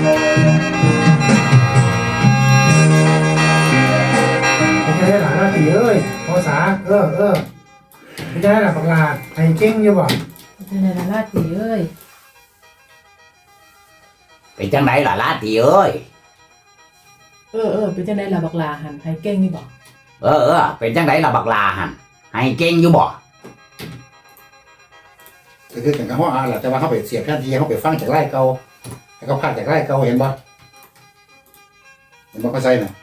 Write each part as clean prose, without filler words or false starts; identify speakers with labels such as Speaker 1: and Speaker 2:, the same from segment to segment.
Speaker 1: ไม่ใช่หลานราตรีเอ้ยภาษาไม่ใช่หลานปากลาไอ้เก่งอยู่บ่
Speaker 2: เป็นไงล่ะลาตีเอ้ย
Speaker 3: เป็นจังไดล่ะลาตีเอ้ย
Speaker 2: เป็นจังไดล่ะบักลาหันให้เก่งนี่บ่
Speaker 3: เป็นจังไดล่ะบักลาหันให้เก่งอยู่บ่
Speaker 4: ก็คือกันกับห้องแหละแต่ว่าเขาไปเสียบแทนที่เขาไปฟังจากไร่เก่าให้เขาพาจากไร่เก่าเห็นบ่เข้าใจน่ะ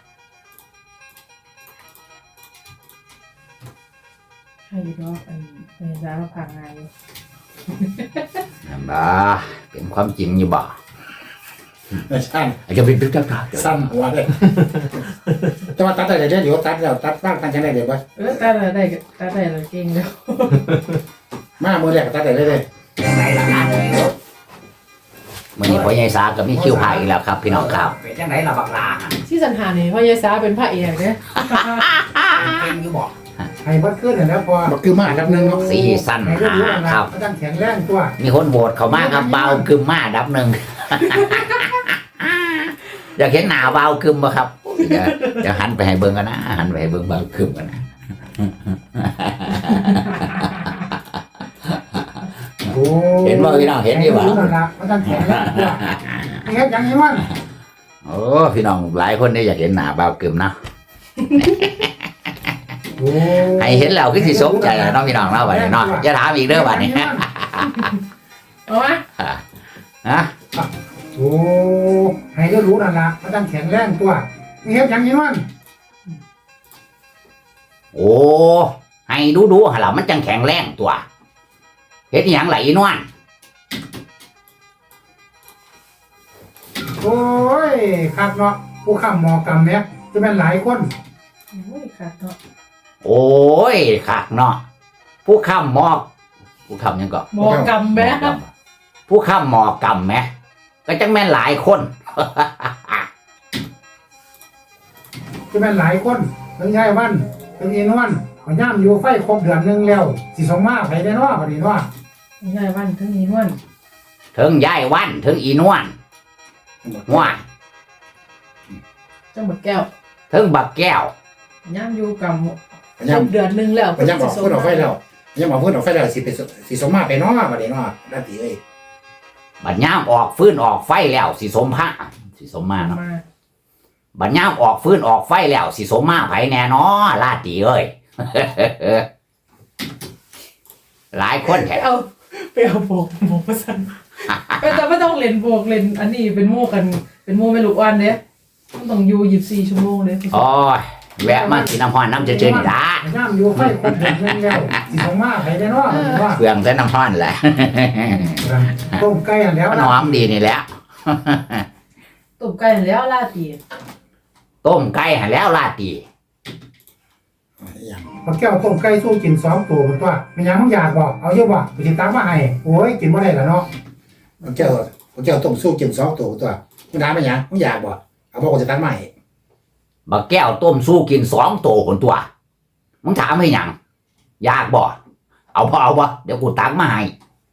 Speaker 2: ให้อยู่ดอกเป็นร้านผ่านงานอยู่
Speaker 3: นั่นบ่เป็นความจริงอยู่บ่
Speaker 4: สั้น
Speaker 3: จะเป็นจังได
Speaker 4: สั้นหัวเลยแต่ว่าตัดได้เดี๋ยวตัดแล้วตัดบ้างตัดจังได้เดี๋ยวบ่
Speaker 2: ตัดได้เลยเก่งแล้ว
Speaker 4: มามือแรกตัดได้เลย
Speaker 3: จังไดล่ะลาตีมื้อนี้พ่อใหญ่สาก็มีคิวพายอีกแล้วครับพี่น้องครับเป็นจังไดล่ะบักลาหัน
Speaker 2: ที่สันหานี่พ่อยายสาเป็นพระเอกเด้
Speaker 3: เก่งอยู่บ่
Speaker 1: ให้บัดขึ้นแล้วพอ
Speaker 4: บักคือมาอันดับหนึ่งเนาะ
Speaker 3: สีสั้นครับ
Speaker 1: ต้องแข็งแรงตัว
Speaker 3: มีคนโหวตเข้ามาครับเบากึมมาอันดับหนึ่งอยากเห็นหน้าเบากึมบ่ครับจะหันไปให้เบิ่งกันนะหันไปให้เบิ่งเบากึมกันนะเห็นบ่พี่น้องเห็นอยู่บ่
Speaker 1: มันต้องแข็งแรงตัวเฮ็ดอย่างนี้มัน
Speaker 3: โอ้พี่น้องหลายคนได้อยากเห็นหน้าเบากึมนะให้เห็นแล้วคือสิสมใจเนาะพี่น้องเนาะบัดนี้เนาะอย่าถามอีกเด้อบัดนี้
Speaker 2: เอามา
Speaker 3: ฮะ
Speaker 1: โอ้ให้รู้นั่นล่ะมันต้องแข็งแรงตัวเฮ็ดอย่างนี้มัน
Speaker 3: โอ้ให้ดูๆหั่นล่ะมันจังแข็งแรงตัวเฮ็ดอีหยังล่ะอีนวล
Speaker 1: โอ้ยคักเนาะผู้ค้ำหมอกรรมเนี่ยจะเป็นหลายคน
Speaker 2: โอ้ยคักเนาะ
Speaker 3: โอ้ยคักเนาะผู้ค้ำหมอกผู้ค้ำยังก็
Speaker 2: หมอกรรมแม่
Speaker 3: ผู้ค้ำหมอกรรมแม่ก็จังแม่นหลายคน
Speaker 1: จะเป็นหลายคนถึงยายวันถึงอีนวลเขาย่ำอยู่ไฟครบเดือนนึงแล้วสิส่งมาไปได้เนาะบัดนี้เนาะ
Speaker 2: ยายวันถึงอีนวล
Speaker 3: ถึงยายวันถึงอีนวลว่า
Speaker 2: จังบักแก้ว
Speaker 3: ถึงบักแก้ว
Speaker 2: ย่ำอยู่กับเดือนนึงแล้ว
Speaker 4: ย่ำบอกเพื่อนออกไฟแล้วย่ำบอกเพื่อนออกไฟแล้วสิส่งมาไปเนาะบัดนี้เนาะลาตีเอ้ย
Speaker 3: บัดย่ามออกฟื้นออกไฟแล้วสิสมพระสิสมมาเนาะบัดย่ามออกฟื้นออกไฟแล้วสิสมมาไผแน่นอนลาตีเอ้ยหลายคนแท้
Speaker 2: ไปเอาโบกมาสั่นแต่ไม่ต้องเล่นโบกเล่นอันนี้เป็นโม่กันเป็นโม่ไม่ลูกอ่อนเด้ต้องอยู่24ชั่วโมงเด้
Speaker 3: โอ้ยแวะมากินน้ำฮ้อนน้ำเจนี่ล่ะ
Speaker 1: ย่ำอยู่ไฟครบเดือนนึงแล้วสิส่งมาไปได้เนาะ
Speaker 3: เปลืองแต่น้ำฮ้อนแหละ
Speaker 1: ต้มไก่แล้ว
Speaker 3: มันหอมดีนี่แหละ
Speaker 2: ต้มไก่แล้วลาตี
Speaker 3: ต้มไก่ให้แล้วลาตี
Speaker 1: พอแก้วต้มไก่สู้กิน2ตัวมันว่ามีหยังมึงอยากบ่เอาเยอะบ่ไปสิตามมาให้โอ้ยกินบ่ได้ล่ะเนาะ
Speaker 4: พอแก้วต้มสู้กิน2ตัวมึงถามมาหยังมึงอยากบ่เอาบ่จะตัดใหม่
Speaker 3: บักแก้วต้มสู้กิน2ตัวคนตัวมึงถามให้หยังอยากบ่เอาบ่เดี๋ยวกูตักมาให้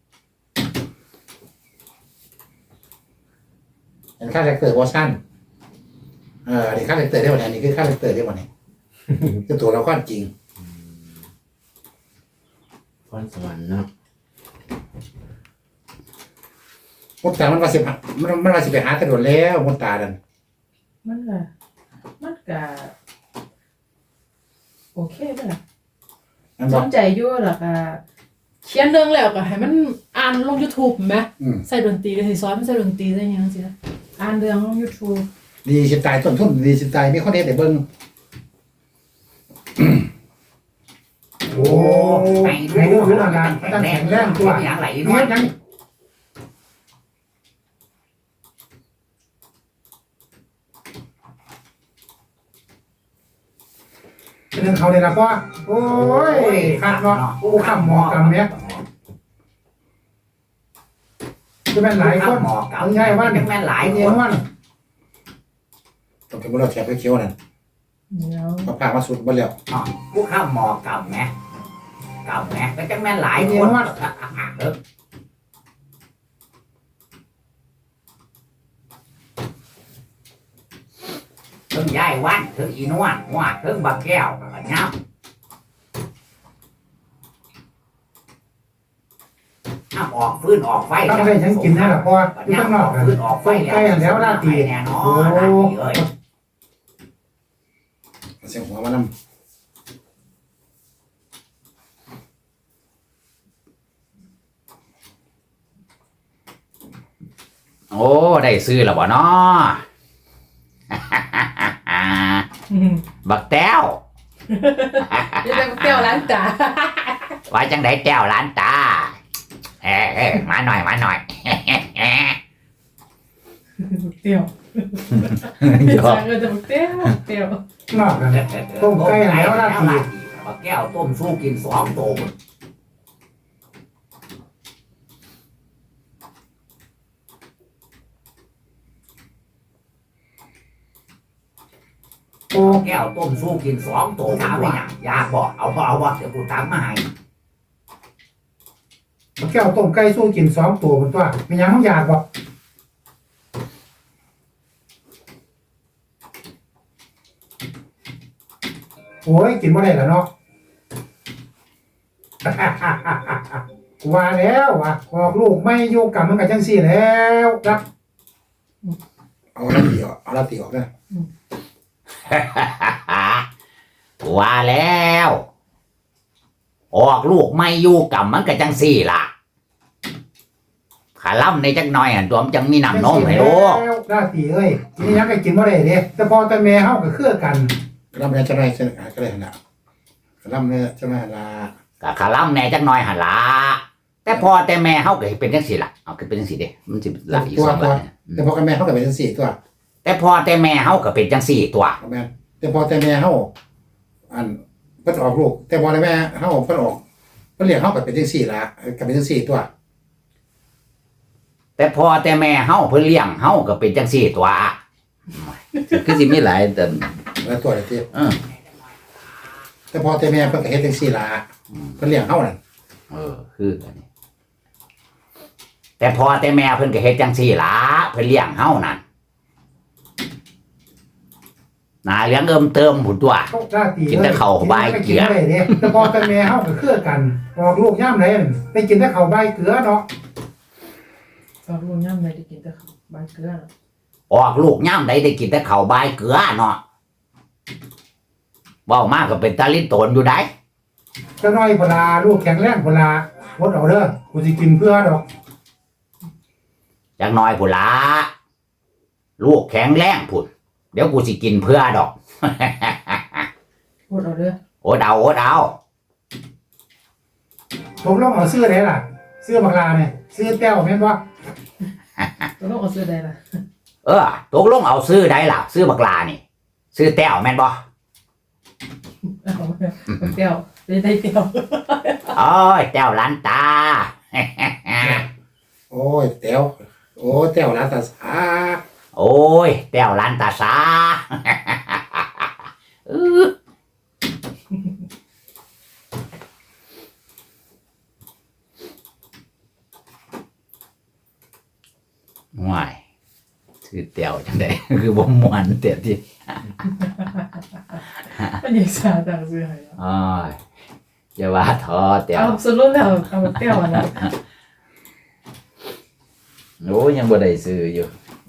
Speaker 4: เห็นค่าแรคเตอร์วอร์ชันนี่ค่าแรคเตอร์ได้วันนี้คือค่าแรคเตอร์ได้วันนี้คือตัวเราค่อนจริง
Speaker 5: พรสวรรค์เนาะ
Speaker 4: มดตามันว่าสิไปหากระโดดแล้วมดตาดัน
Speaker 2: มันก็โอเคไหมล่ะสนใจอยู่หรอกเขียนเรื่องแล้วก็ให้มันอ่านลง YouTube ไหมใส่ดนตรีเลยสอนมันใส่ดนตรีได้ยังสิอ่านเรื่องลง YouTube
Speaker 4: ดีสิตายต้นทุนดีสิตายมีข้อเท็จแต่เบิ่ง
Speaker 1: โอ้ให้รู้นั่นล่ะต้องแข็งแรงตัว
Speaker 3: อย่างไร
Speaker 1: เฮ็ดหยังเป็นเขาเลยนะพ่อโอ้ยคักเนาะผู้ค้ำหมอกรรมเนี่ยจะเป็นหลายคนมึงยายวัน
Speaker 3: แม่นหลายคน
Speaker 1: วัน
Speaker 4: ต้องกินมื้อเราแถบเขียวนั่นมาผ่ามาสุดบ่แล้ว
Speaker 3: ผู้ค้ำหมอกรรมแหมก็จังแม่นหลายคนถึงยายวันถึงอีนวลว่าถึงบักแก้วก็ย่ำน้ำออกฟื้นออกไฟ
Speaker 1: ต้องได้ฉันกินได้หรอพ่ออยู่ข้างนอก
Speaker 3: ฟื้นออกไฟ
Speaker 1: ใกล้แล้วราตรี
Speaker 3: แน่นอ
Speaker 1: โอ้
Speaker 3: นราตรีเอ้ย
Speaker 4: เสียงหัวมันน้ำ
Speaker 3: โอ้ได้ซื้อแล้วบ่เนาะ บักแต้ว
Speaker 2: จะได้เปรี้ยวล้างตา
Speaker 3: ว่าจังไดแต้วหลานตามาหน่อยมาหน่อย
Speaker 2: เปรี้ยว
Speaker 3: หยอก
Speaker 2: สั่งเลยจะเปรี้ยวเปรี้ยวน
Speaker 1: อกกันต้มไก่แล้วราตรี
Speaker 3: บักแก้วต้มสู้กิน2 ตัว
Speaker 1: โอ้
Speaker 3: แก้วต้มสู้กิน2 ตัวถามว่าอยากบอกเอาบ่เดี๋ยวกูตามมาให้
Speaker 1: แก้วต้มไก่สู้กิน2 ตัวมันตัวมีหยังต้องอยากบ่โอ้ยกินบ่ได้แล้วเนาะ ว่าแล้วว่ะออกลูกไม่อยู่กับมันกับจังซี่แล้วครับ
Speaker 4: เอาลาตีออกเอาลาตีออกนะ
Speaker 3: ว่าแล้ว ออกลูกไม่อยู่กับมันก็จังสี่ล่ะขาล่ำในจักหน่อยตัวมันจังมีน้ำนมให้ลูก
Speaker 1: แล้วราตรีเอ้ยทีนี้ยังก็กินบ่ได้เด้แต่พอแต่แม่เฮาก็คือกัน
Speaker 4: ลำเนี่ยจะได้เส้นก็ได้ขนาดลำเนี่ยจะมาลา
Speaker 3: ก็ขาล่ำในจักหน่อยหันละแต่พอแต่แม่เฮาก็เป็นจังสี่ล่ะเอาคือเป็นจังสี่เด้มันสิหลายอยู่สองแบบเนี่ย
Speaker 4: แต่พอกันแม่เขาก็เป็นจังสี่ตัว
Speaker 3: แต่พอแต่แม่เฮาก็เป็นจังสี่ตัว
Speaker 4: แม่แต่พอแต่แม่เขาอันเพิ่นออกลูกแต่พอแต่แม่เขาเพิ่นออกเพิ่นเลี้ยงเขาก็เป็นจังสี่ละก็เป็นจังสี่ตัว
Speaker 3: แต่พอแต่แม่เฮาเพิ่นเลี้ยงเฮาก็เป็นจังสี่ตัวคือสิมีหลายแต่
Speaker 4: แล้วตัวเดียวที่
Speaker 3: เออ
Speaker 4: แต่พอแต่แม่เพิ่นก็เฮ็ดจังสี่ละเพิ่นเลี้ยงเขานั่น
Speaker 3: คือกันนี่แต่พอแต่แม่เพิ่นก็เฮ็ดจังซี่ล่ะเพิ่นเลี้ยงเฮานั่นหน้าเหลืองเอิ่มเติมหุ่นตัว
Speaker 1: ราตรี
Speaker 3: กินแต่ข้าวใบเกลือ
Speaker 1: กินบ่ได้เด้แต่พอแต่แม่เฮาก็คือกันออกลูกยามใดได้กินแต่ข้าวใบเกลือเนาะ
Speaker 2: สอบลุงย่ำเลยได้กินแต่ใบเกลือ
Speaker 3: ออกลูกย่ามใดได้กินแต่ข้าวบายเกลือเนาะเว้ามาก็เป็นตาลิ้นโตนอยู่ได้
Speaker 1: จังน้อยพุ่นล่ะลูกแข็งแรงพุ่นล่ะอดเอาเด้อกูสิกินเพื่อดอก
Speaker 3: จักหน่อยพุ่นละลูกแข็งแรงพุ่นเดี๋ยวกูสิกินเพื่อดอก
Speaker 2: พูดเอาเด้อ
Speaker 3: โอดเอาโอดเอา
Speaker 1: ผมลองเอาซื้อได้ล่ะซื้อบักลาเนี่ยซื้อแต้วแม่นบ่
Speaker 2: ตัวต้องเอาเสื้อใดล่ะ
Speaker 3: ตกลงเอาซื้อได้ล่ะซื้อบักลานี่ซื้อแต้วแม่นบ่
Speaker 2: เอาเปรี้ยวได้เปรี้ยว
Speaker 3: โอ้ยแต้วหล้านตา
Speaker 4: โอ้ยแต้วโอ้แต้วลาตาสา
Speaker 3: โอ้ยแต้วหล้านตาสา ว้ายชื่อแต้วจังได คือบ่ม่วนเตียที่
Speaker 2: มันยังสาต่างเสื้อให้
Speaker 3: อ้อยอย่าว่าท้อแต้ว
Speaker 2: เอาสรุปแล้วเอาเปรี้ยวอันนั้น
Speaker 3: โอ้ยยังบ่ได้ซื้ออยู่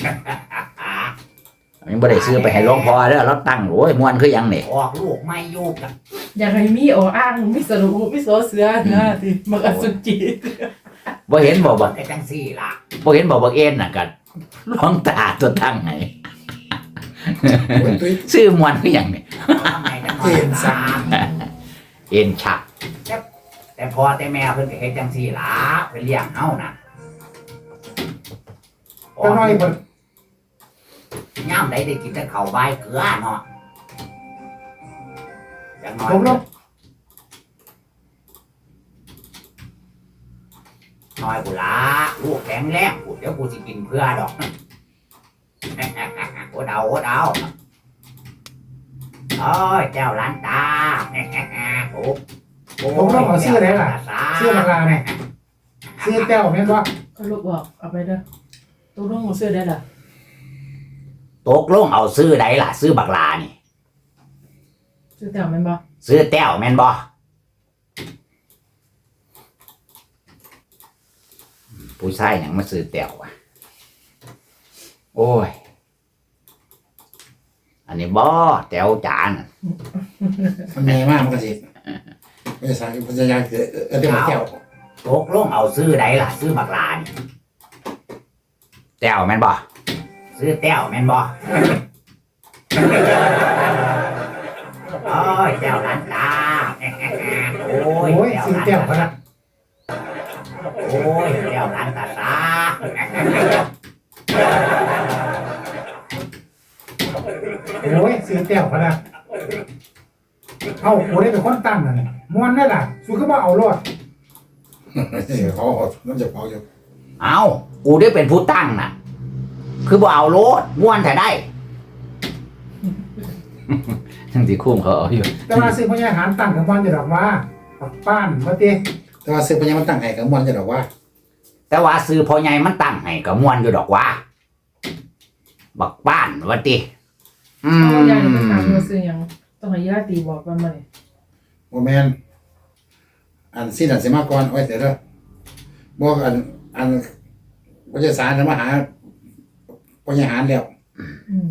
Speaker 3: ยังบ่ได้ซื้อไปให้หลวงพ่อเด้อเราตั้งโอ้ยม่วนคือหยังนี่ออกลูกไม่อยู่กัน
Speaker 2: อยากให้มีอ้างมีสรุปมีโซเสือนะที่มันอสุจิ
Speaker 3: บ่เห็นบ่บักจังซี่ล่ะบ่เห็นบ่บักเอ็นน่ะกันหลวงตาตัวตั้งให้
Speaker 4: โอ้ยตุ้ย
Speaker 3: ซื้อม่วนคือหยังนี่
Speaker 4: เอ็นสัก
Speaker 3: เอ็นชักแต่พอแต่แม่เพิ่นก็เฮ็ดจังซี่ล่ะเพิ่นเลี้ยงเฮาน่ะ
Speaker 1: จังน้อยพุ่น
Speaker 3: ยามใดได้กินแต่ข้าวใบเกลือเนาะจังน้อย
Speaker 1: ผมลอง
Speaker 3: น้อยกูละลูกแข็งแรงกูเดี๋ยวกูสิกินเพื่อดอก โอดเอาโอดเอาโอ้ยเจ้าหล้านตา โอ้
Speaker 1: ผมลองเอาซื้อได้ล่ะซื้อบักลาเนี่ยซื้อแต้วแม่นบ่
Speaker 2: ก็ลูกบอกเอาไปเด้อตัวต้องเอาเสื้อได้ล่ะ
Speaker 3: ตตกลงเอาซื้อใดล่ะซื้อบักลานี่
Speaker 2: ซื้อแต่แม่นบ่
Speaker 3: ซื้อแต้วแม่นบ่ผู้ชายหยังมาซื้อแต้วอ่ะโอ้ยอันนี้บ่แต้วจาน
Speaker 4: มันแม่มากมันก็สิไม่ใช่พยายามคือเรื่องแก้ว
Speaker 3: ตกลงเอาซื้อใดล่ะซื้อบักลานี่แต้วแม่นบ่ซื้อแต้วแม่นบ่โอ้ยแต้วหลานตาโอ้ย
Speaker 1: โอ้ย
Speaker 3: แต้ว
Speaker 1: ซื้อ
Speaker 3: หลาน
Speaker 1: แก้วพะ
Speaker 3: ตา
Speaker 1: นะ
Speaker 3: โอ้ยแต้วหลานตาตา
Speaker 1: โอ้ยซื้อแก้วพะนะเอากูได้เป็นคนตั้งน่ะม่วนได้ล่ะสู้ก็บ่เอารอด
Speaker 4: เขาน้ำจะเผาอยู่
Speaker 3: เอากูได้เป็นผู้ตั้งน่ะ คือบ่เอาโลดม้วนแต่ได้ ทั้งที่คุ้มเขาเอาอยู่
Speaker 1: แต่ว่าซื้อพญาหารตั้งกับม่วนจะดอกว่าปักป้านว่าติ
Speaker 4: แต่ว่าซื้อพญามันตั้งให้กับมันจะดอกว่า
Speaker 3: แต่ว่าซื้อพ่อใหญ่มันตั้งให้ก็ม้วนอยู่ดอกว่า บักบ้านว่าติ
Speaker 2: เอายายมันถามว่าซื้อหยังต้องให้ญาติบอกว่ามานี่
Speaker 4: โมแมนอันสิ้นอันสิมาก่อนไว้เสร็จแล้วบอกอันพระเจ้าสารมาหาพญาหารแล้ว
Speaker 2: อืม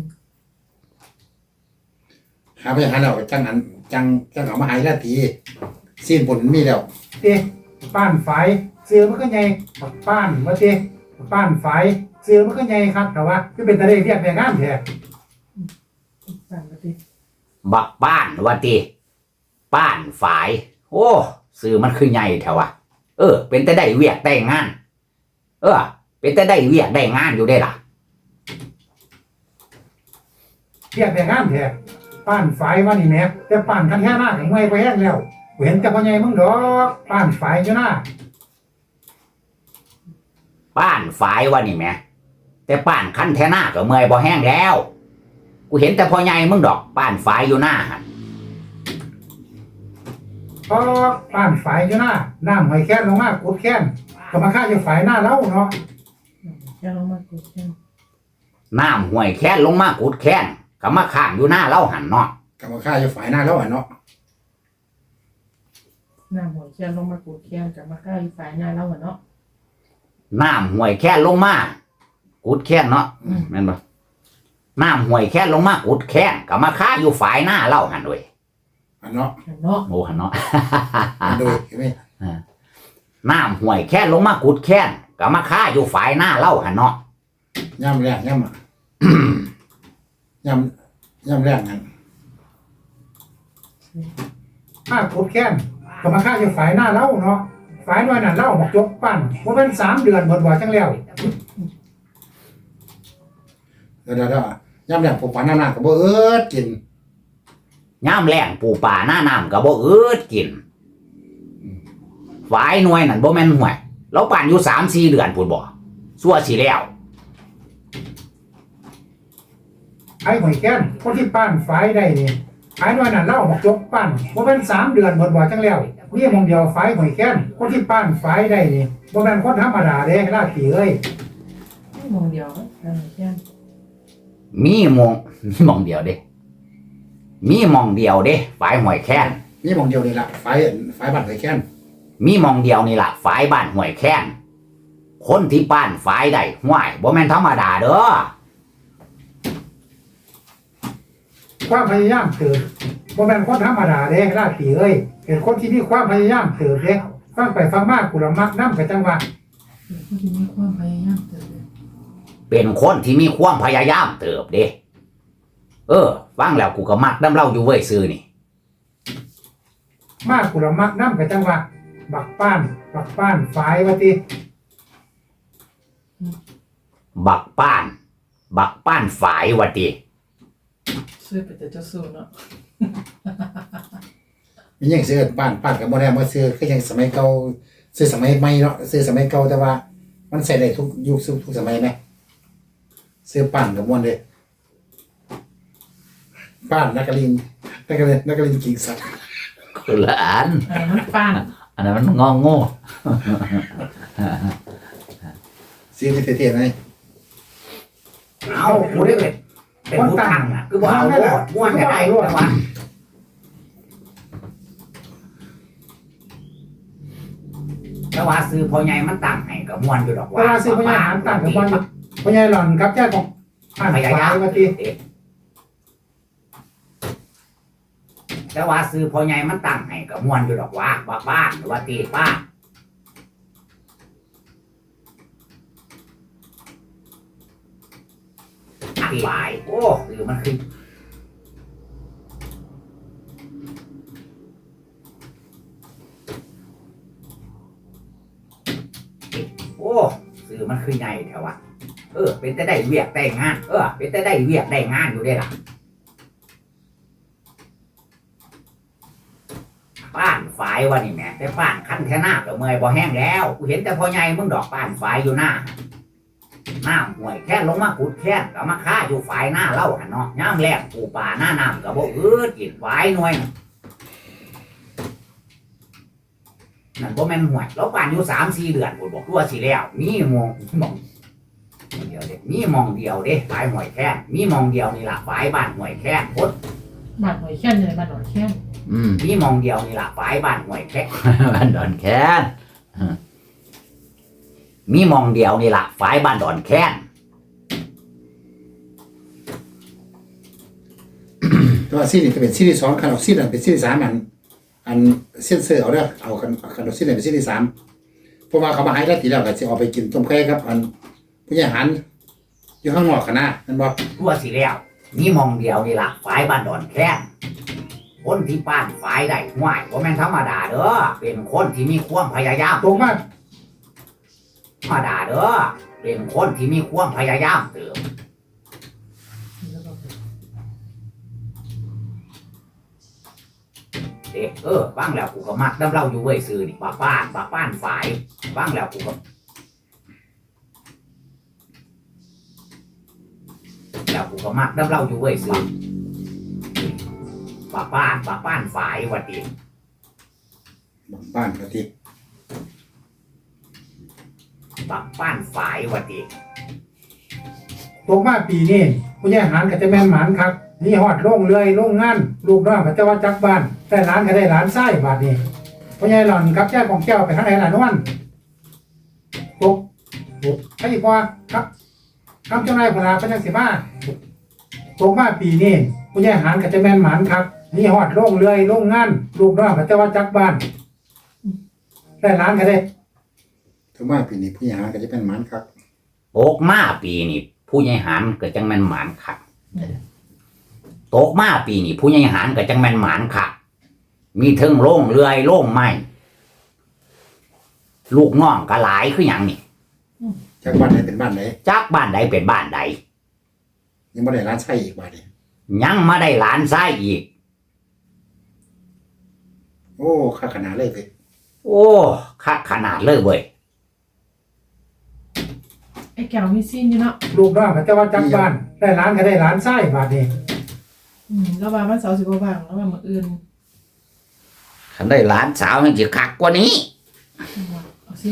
Speaker 4: หาพญาหารแล้วจังหันจังเอามาหายแล้วทีสิ้นผลมีแล้ว
Speaker 1: ติป้านฝายซื้อมันก็ใหญ่ปักป้านว่าติป้านฝายซื้อมันก็ใหญ่ครับแต่ว่าคือเป็นตะเลเรียกแต่งามแท้
Speaker 2: ตามมาติ
Speaker 3: บักบ้านว่าติบ้านฝาย โอ้ซื้อมันคือใหญ่แถวะเป็นแต่ได้เวียกได้งาน เป็นแต่ได้เวียกได้งานอยู่ได้ล่ะ
Speaker 1: เรียกแต่งามแท้ป้านฝายว่านี่แหม่แต่ป้านคันแค่หน้าของไม่ไปแห้งแล้วกูเห็นแต่พ่อใหญ่มึงดอกป้านฝายอยู่หน้า
Speaker 3: ป้านฝายว่านี่แหม่แต่ป้านคันแท่หน้าก็เมื่อยบ่แห้งแล้ว กูเห็นแต่พ่อใหญ่มึงดอกป้านฝายอยู่หน้าหั่น
Speaker 1: พอป้านฝายอยู่หน้าน้ำหอยแค้นลงมากุดแค้นก็มาฆ่าอยู่ฝายหน้าเล้าเนาะ
Speaker 2: อย่าลงมากดแค่
Speaker 3: น้ำห้วยแค้นลงมากุดแค้นก็มาข้างอยู่หน้าเล่าหันเนาะ
Speaker 4: กรรมข้าจะฝ่ายหน้าแล้วเนาะ
Speaker 2: หน้าหัวเคียนลงมากดแค่กับมาฆ่าอยู่ฝ่ายหน้าเราอะเนาะ
Speaker 3: น้ำห้วยแค้นลงมากุดแค้นเนาะแม่นบ่น้ำห้วยแค้นลงมากุดแค้นก็มาข้าอยู่ฝ่ายหน้าเล่าหันเว้ย
Speaker 4: อันเนาะ
Speaker 2: เนาะ
Speaker 3: โอ้หันเนาะ
Speaker 4: อันโดยเห็นไหม
Speaker 3: น้ำห้วยแค้นลงมากุดแค้นก็มาข้าอยู่ฝ่ายหน้าเล่าหันเนาะ
Speaker 4: ย่ำแรกย่ำอ่ะย่ำแรกนั่น
Speaker 1: ฆ่ากุดแค้นก็มาฆ่าอยู่ฝายหน้าเล้าเนาะฝายน้อยนั่นเล้าบอกยกปั้นว่าเป็น3 เดือนเบิดว่าจังแล้ว
Speaker 4: เดี๋ยวย่ำแรกผมฝันหน้ากับบ่กิน
Speaker 3: ย่ามแรงปูป่าหน้าน้ำก็บ่อืดกินฝ่ายหน่วยนั่นบ่แม่นห่วยเราปั่นอยู่3-4 เดือนพูดบ่ซั่วสิแล้ว
Speaker 1: ไอ้หอยแค้นคนที่ป้านฝายได้นี่ฝายน้อยนั่นเล้าบอกยกปั้นว่าเป็น3 เดือนเบิดว่าจังแล้วนี่มองเดียวฝายหอยแค้นคนที่ป้านฝายได้นี่บ่แม่นคนธรรมดาเด้ราตรีเอ้ย
Speaker 2: มองเดียวหัวเคียน
Speaker 3: มีมองเดียวเด้มีมองเดียวเด้ฝ่ายห้วยแค้น
Speaker 4: นี่มองเดียวนี่ละฝ่ายบัตรไฟแค้น
Speaker 3: มีมองเดียวนี่ล่ะฝ่ายบ้านห้วยแค้นคนที่ป้านฝ่ายได้ห้วยบ่แม่นธรรมดาเด้อ
Speaker 1: ความพยายามเติบบ่แม่นคนธรรมดาเด้ราตรีเอ้ยเป็นคนที่มีความพยายามเติบเด้ฟังไปฟังมากูละมักนำกับจังว่า
Speaker 2: ผู้ที่มีความพยายามเติบ
Speaker 3: เป็นคนที่มีความพยายามเติบเด้ฟังแล้วกูก็มักน้ำเล่าอยู่เว้ยซื้อนี่
Speaker 1: มากูละมักนำกับจังว่าบักป้านฝายว่าติ
Speaker 3: บักป้านฝ่ายว่าติ
Speaker 2: ซื้อไปแต่เจ้าสู้เนาะ
Speaker 4: มียังซื้อป้านกับบ่ได้มาซื้อคือยังสมัยเก่าซื้อสมัยใหม่เนาะซื้อสมัยเก่าแต่ว่า มันใส่ได้ทุกยุคทุกสมัยไหมซื้อป้านกับม่วนเลยป้านนักลินกิ่งสัตว์
Speaker 3: คนละอัน
Speaker 2: มันป้าน
Speaker 3: อันนั้นมันงอโง่
Speaker 4: ซื้อที่เท่ๆไหม
Speaker 1: เอากูได้เลย
Speaker 3: เป็นผู้ตั้งน่ะคือบ่เอาโลดม่วนก็ได้แต่ว่าซื้อพ่อใหญ่มันตั้งให้ก็ม่วนอยู่ดอก
Speaker 1: เวลาซื้อพญาหารต่างกับพญาหล่อนกับแจ้ของผ่านฝ่ายว่าติ
Speaker 3: แต่ว่าซื้อพ่อใหญ่มันตั้งให้ก็ม่วนอยู่ดอกว่าบ้านหรือว่าตีป้าตีบายโอ้หรือมันคือโอ้ซื้อมันคือใหญ่แถวะเป็นแต่ได้เวียกได้งานเป็นแต่ได้เวียกได้งานอยู่ได้ล่ะป้านฝายวะนี่แม่แต่ป้านคันแค่หน้าก็เมื่อยบ่แห้งแล้วกูเห็นแต่พ่อใหญ่มึงดอกป้านฝายอยู่หน้าห่วยแค่ลงมาขุดแค่ก็มาฆ่าอยู่ฝายหน้าเล่าหันเนาะย่ามแรกปูป่าหน้าน้ำก็บ่กินฝายหน่วยนั่นบ่แม่นห่วยเราป้านอยู่3-4 เดือนกูบอกตัวสิแล้วมีมองเดียวเด้มีมองเดียวเด้ฝายห่วยแค่มีมองเดียวนี่ล่ะฝายบ้านห่วยแค่พด
Speaker 2: บ้านหอยแค้นเลยบ้านหอยแค้น
Speaker 3: มีมองเดียวนี่ล่ะฝายบ้านห่วยแค่
Speaker 5: บ้านดอนแค้น
Speaker 3: มีมองเดียวนี่ล่ะฝายบ้านดอนแค้น
Speaker 4: ตัวซีนี่ก็เป็นซีรีส์2คันออกซีนั่นเป็นซีรีส์3อันเซ็นเซอร์เอาเด้อเอาคันออกซีนั่นเป็นซีรีส์3เพราะว่าเขามาให้แล้วทีแล้วก็สิเอาไปกินต้มไข่ครับอันผู้ใหญ่หันอยู่ข้างนอกกันนะนั่นบ่
Speaker 3: ตัวสิแล้วมีมองเดียวนี่ล่ะฝายบ้านดอนแค้นคนที่ป้านฝายได้ห่วยบ่แม่นธรรมดาเด้อเป็นคนที่มีความพยายาม
Speaker 1: ตรงมาก
Speaker 3: ธรรมดาเด้อเป็นคนที่มีความพยายามเติมเด็กฟังแล้วกูก็มักน้ำเล่าอยู่เว้ยซื้อนี่ป้านฝายฟังแล้วกูก็มักน้ำเล่าอยู่เว้ยซื้อป้านฝายวัดดี
Speaker 4: บ้านก็ที่
Speaker 3: ป้านฝายวัดดี
Speaker 1: ตรงมาปีนี้พญาหารก็จะแม่นหมานครับนี่ฮอดโรงเรือยโรงงานลูกน้องก็จะว่าจักบ้านแต่หลานก็ได้หลานไส้บาดนี้พญาหล่อนกับแจ้ของแก้วไปทางไหนล่ะนวลตกใครอีกว่าครับคำเจ้านายพลาพระจังสิมาตรงมาปีนี้พญาหารก็จะแม่นหมานครับนี่ฮอดโรงเรือยโรงงานลูกน้องก็จะว่าจักบ้านแต่หลานก็ได้
Speaker 4: ถึงว่าปีนี้ผู้ใหญ่หันก็จะเป็นหมันครับ
Speaker 3: โตกมาปีนี่ผู้ใหญ่หันก็จังแม่นหมานคักโตกมาปีนี่ผู้ใหญ่หันก็จังแม่นหมานคักมีเทิงโล่งเรือยโล่งไม้ลูกน้องก็หลายคือหยังนี่
Speaker 4: จากบ้านไหนเป็นบ้านไหน
Speaker 3: จักบ้านใดเป็นบ้านใด
Speaker 4: ยังไม่ได้ร้านไส้อีกบาทนี่
Speaker 3: ยังมาได้หลานซ้ายอีก
Speaker 4: โอ้ค่าขนาดเลยเว้ย
Speaker 3: โอ้คักขนาดเลยเว้ย
Speaker 2: ไอ้แก้วมีซีนอยู่เนาะ
Speaker 1: ลูกน้องก็จะว่าจักบ้านแต่หลานก็ได้หลานไส้บาดนี้
Speaker 2: แล้วว่ามันเสาร์สิบว่างแล้วว่ามื้ออื่น
Speaker 3: คันได้หลานสาวยังสิคักกว่านี้
Speaker 2: เอาซีน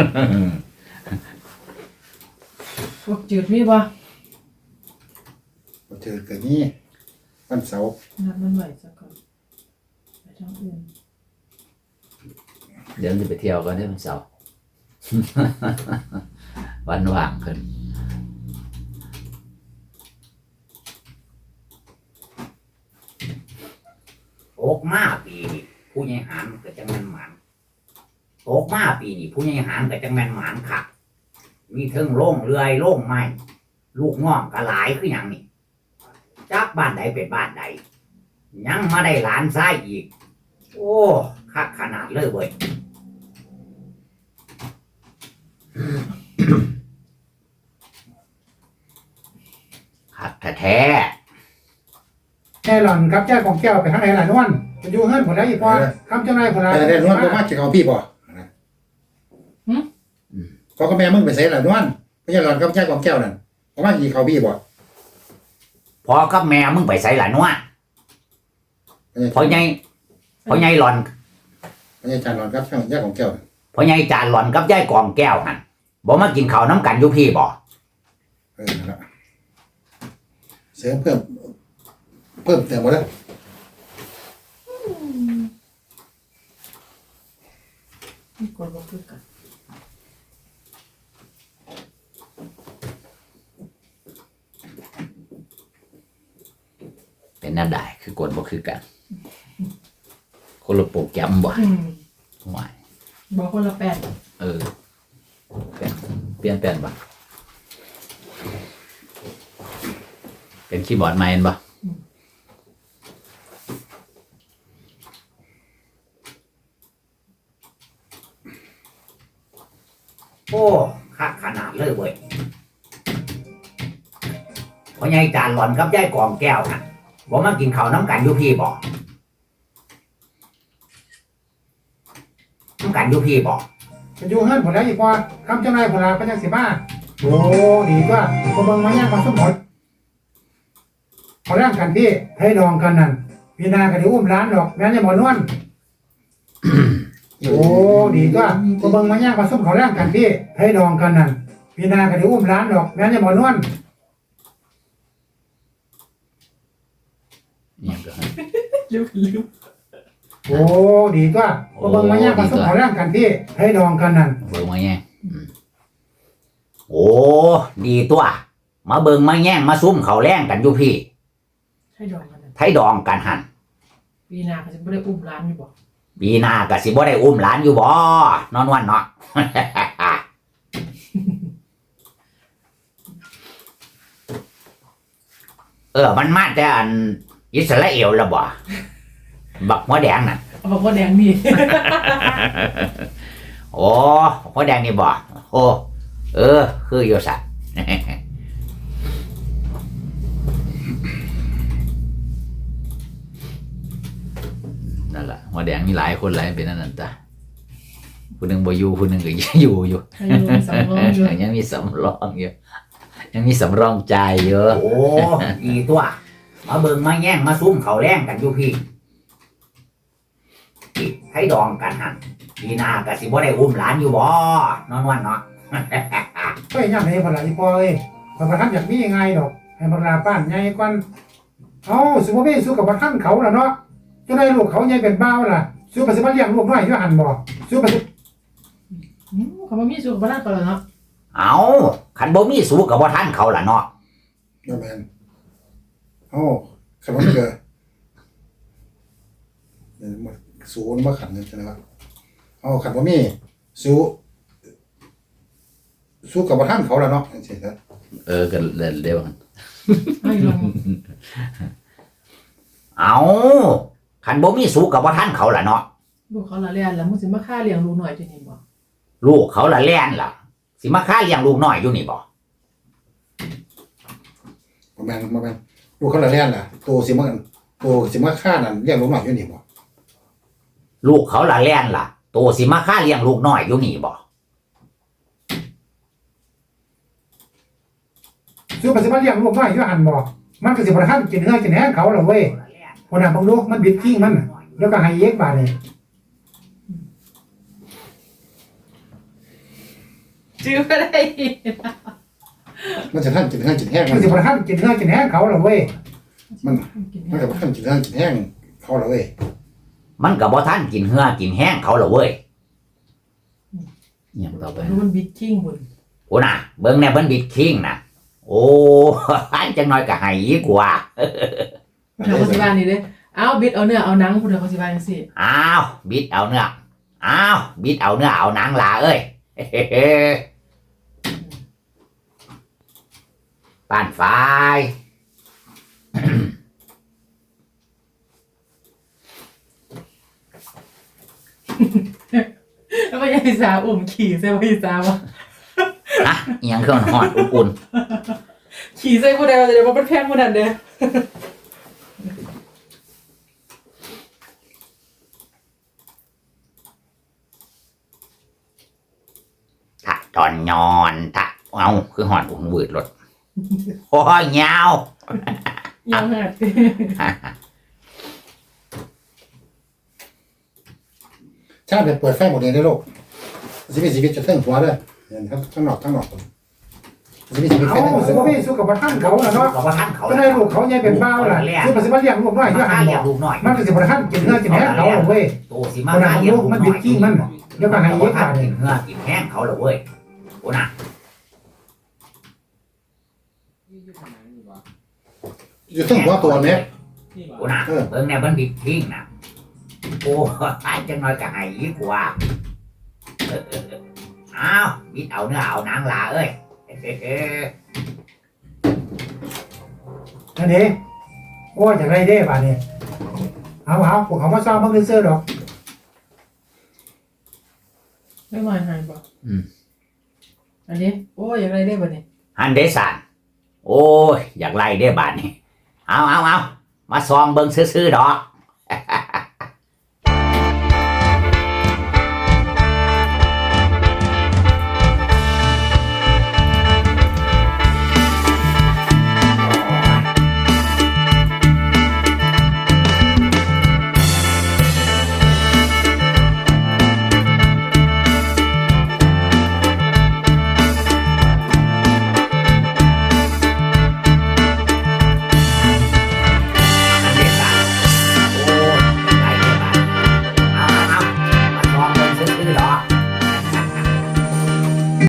Speaker 2: พวกจืดมีบ่
Speaker 4: พอเจอเกิดนี้วันเสาร์
Speaker 2: นัดมันไว้ซะก่อนไปทางอื่น
Speaker 5: เดี๋ยวจะไปเที่ยวกันได้วันเสาร์ วันว่างขึ้น
Speaker 3: โตกมาปีนี่ผู้ใหญ่หันก็จังแม่นหมานโตกมาปีนี่ผู้ใหญ่หันก็จังแม่นหมานคักมีเทิงโล่งเรือยโล่งไม้ลูกน้องก็หลายคือหยังนี่จักบ้านใดเป็นบ้านใดยังมาได้หลานซ้ายอีก โอ้คักขนาดเลยเว้ย คักแท้
Speaker 1: แค่หล่อนกับแจ้ของแก้วไปทางไหนล่ะนวลมันอยู่เฮือนหมดแล้วอีกว่าคำเจ้านายพลา
Speaker 4: แต่นวลบ่มาจะเอาพี่บ่เขาก็แม่มึงไปใส่ละนวลผู้ใหญ่หลอนกับแจ้ของแก้วนั่นเขามากี่เขาพี่บ่
Speaker 3: ๆพอกับแม่มึงไปใส่หลานวะพอไงหลอน
Speaker 4: ผู้ใหญ่จานหลอนกับแจ้ของแก้ว
Speaker 3: พอไงจานหลอนกับยายกองแก้วหันบอกมากินข้าวน้ำกันอยู่พี่บ่
Speaker 4: นั่นละเสริมเพิ่มเติมหมดแล้ว
Speaker 2: นี่กดบ่คือกัน
Speaker 5: เป็นนั่นได้คือกดบ่คือกันคนละโปรแกรมบ่หวาย
Speaker 2: บ่คนละแปด
Speaker 5: เออเปลี่ยนบ่เป็นคีย์บอร์ดใหม่เห็นบ่
Speaker 3: โอ้คักขนาดเลยเว้ยพ่อใหญ่จานหล่อนกับยายกองแก้วน่ะบ่มากินข้าวน้ำกันอยู่พี่บ่น้ำกันอยู่พี่บ่
Speaker 1: ไปอยู่เฮือนผมแล้วอีกว่าคำเจ้านายผมลาก็ยังสิมาโอ้ดีว่าคนเบิ่งมาแย่งมาสมหมดเขาแย่งกันพี่ให้ดองกันนั่นพี่นาก็เดี๋ยวอุ้มร้านดอกแม่นจะหมอนวลโอ้ดีว่าคนเบิ่งมาแย่งมาสมเขาแย่งกันพี่ให้ดองกันนั่นพี่นาก็เดี๋ยวอุ้มร้านดอกแม่นจะหมอนวล
Speaker 5: เนี่ยก็ให้
Speaker 2: ลืม
Speaker 1: โอ้ดีว่าคนเบิ่งมาแย่งมาสมเขาแย่งกันพี่ให้ดองกันนั่น
Speaker 5: เบิ่งมาแย่ง
Speaker 3: โอ้ดีตัวมาเบิ่งมาแย่งมาซุ่มเขาแรงกันอยู่พี่
Speaker 2: ให้ดองกันนั่น
Speaker 3: ไทยดองกันหัน
Speaker 2: ปีหน้าก็สิบ่ได้อุ้มร้านอยู่บ่
Speaker 3: ปีหน้าก็สิบ่ได้อุ้มหลานอยู่บ่นอนวันเนาะ มันมาแต่อันอิสราเอลละบ่บักหัวแดงน่ะ
Speaker 2: เอาบอกว่าแดงนี่
Speaker 3: โอ้หัวแดงนี่บ่โอ้คืออยู่สัตว์
Speaker 5: นั่นแหละหัวแดงมีหลายคนหลายเป็นนั่นน่ะจ้ะผู้หนึงบ่อยู่ผู้หนึงก็อยู่
Speaker 2: ให้อยู่สำรองอยู่
Speaker 5: ยังมีสำรองอยู่ยังมีสำรองใจายเยอะ
Speaker 3: โอ้ดีตัวมาเบิ่งมาแย่งมาซุ่มเขาแรงกันอยู่พี่ไทยดองกันหันปีหน้าก็สิบ่ได้อุ้มหลานอยู่บ่นอนวันเนาะ
Speaker 1: เฮ้ยย่ำให้พลาอีปอยพระท่านอยากมียังไงดอกให้พลาป้านใหญ่ก่อนเอาสุภาพสู้กับพระท่านเขาล่ะเนาะจะได้ลูกเขาใหญ่เป็นบ้าวล่ะสู้ไปสิมาเลี้ยงลูกน้อยอยู่หันบ่สู้ไปสิ
Speaker 2: เขาบ่มีสุขบ่ได้ก็แล้วเนาะ
Speaker 3: เอาคันบ่มีสู้กับบ่ทันเขาล่ะเนาะ
Speaker 4: นั่นแมนโอ้ขนมเกลือเนี่ยมันสูนมาขันกันใช่ไหมครับเอาขันว่ามีสู้กับท่านเขาแล้วเนาะเฉยๆนะ
Speaker 5: ก็เร็วกัน
Speaker 2: ให้ลง
Speaker 3: เอาคันบ่มีสู้กับบ่ทันเขาล่ะเนาะ
Speaker 2: ลูกเขาละเรียนแล้วมึงสิมาฆ่าเลี้ยงลูกหน่อยจังนี่บ่
Speaker 3: ลูกเขาละแล่นล่ะ สิมาฆ่าเลี้ยงลูกน้อยอยู่นี่บ่
Speaker 4: มาแมนลูกเขาละเลียนล่ะตัวสิมาฆ่านั่นเรียกลูกหน่อยอยู่นี่บ่
Speaker 3: ลูกเขาละแล่นล่ะโตสิมาฆ่าเลี้ยงลูกน้อยอยู่นี่บ่
Speaker 1: สู้ไปสิมาเลี้ยงลูกน้อยอยู่หันบ่มันก็สิบ่ทันกินเนื้อกินแหงเขาล่ะเว้ยคนน่ะบางลูกมันบิดขี้มันแล้วก็ให้เย็กบาดนี่
Speaker 2: จื้อบ่ได้
Speaker 4: มันจะท่านกินแห้งกินแห้ง
Speaker 1: มันสิบ่ทันกินเนื้อกินแหงเขาล่ะเว้ย
Speaker 4: มันกับท่านกินแห้งกินแห้งเขาแล้วเว้ย
Speaker 3: มันก็บ่ทันกินเหือกินแห้งเขาล่ะเว้ย
Speaker 5: อย่างต่อไป
Speaker 2: ดูมันบิดทิ้งพุ่น
Speaker 3: โอ้น่ะเบิ่งแน่เพิ่นบิดคิงน่ะโอ้ จังน้อยก็ให้อีกว่า
Speaker 2: ทางเขาสิว่านี่เด้เอาบิดเอาเนื้อเอาหนังพุ่นเด้อเขาสิว่าจังซี่
Speaker 3: อ้าวบิดเอาเนื้ออ้าวบิดเอาเนื้อเอาหนังล่ะเอ้ย ป้านฝ่าย
Speaker 2: แล้วก็ยายสาอุ้มขี่ใส่บ่ยายสาบ่
Speaker 3: นะอิหยังคือมันฮ้อนอุ่น
Speaker 2: ขี่ใส่ผู้ใดว่าจะได้บ่เป็นแพงผู้นั้นเด้อ
Speaker 3: ๆถ้าตอนนอนถ้าเอาคือฮ้อนอุ่นวืดรถโอ้ยยาว
Speaker 2: ยังหัด
Speaker 4: ชาติเป็นเปิดไฟหมดเลยในโลกชีวิตจะเทิงหัวเลยเห็นครับทั้งนอกจะมีชีวิต
Speaker 1: เอา
Speaker 4: แค่นั้น
Speaker 1: สุขภาพสุขภาพท่านเขาน่ะเนาะ
Speaker 3: กับว่าท่านเขา
Speaker 1: ก็ได้ลูกเขาใหญ่เป็นบ้าวล่ะคือมันสิมาเลี้ยงลูกน้อยอยู่
Speaker 3: มา
Speaker 1: หั่น
Speaker 3: เลี้ย
Speaker 1: บ่
Speaker 3: งลูกน้อย
Speaker 1: มันก็สิบ่ทันกินเนื้อกินแหนเขาเว้ย
Speaker 3: โตสิมาเลี้ยงลูกน้อย
Speaker 1: เดี๋ยวก็ให้เย็บ
Speaker 3: ท่า
Speaker 1: บาน ด
Speaker 3: กิ
Speaker 1: นี่
Speaker 3: นเนื้อกินแห้งเขาเลยเว้ยโอ้น่ะ
Speaker 4: อยู่ทั้งหัวตัวเนี่ย
Speaker 3: โอ้น่ะเบิ่งแน่เบิ่งดิทิ้งน่ะโอ้ตายจังน้อยก็ให้อีกว่าอ้าวบิดเอาเนื้อเอาหนังลาเอ้ย
Speaker 1: นั่นเด้โอ้ยจังไรเด้บาดนี้เอาพวกเขามาซ้อมมันซื่อๆดอก
Speaker 2: ไม่ไหวหายบ่อันนี้โอ้ยอย่างไรได้บ่เนี่ย
Speaker 3: ฮันเดสันโอ้ยอยากไล่ได้บาดนี่เอามาซองเบิ่งซื่อๆดอก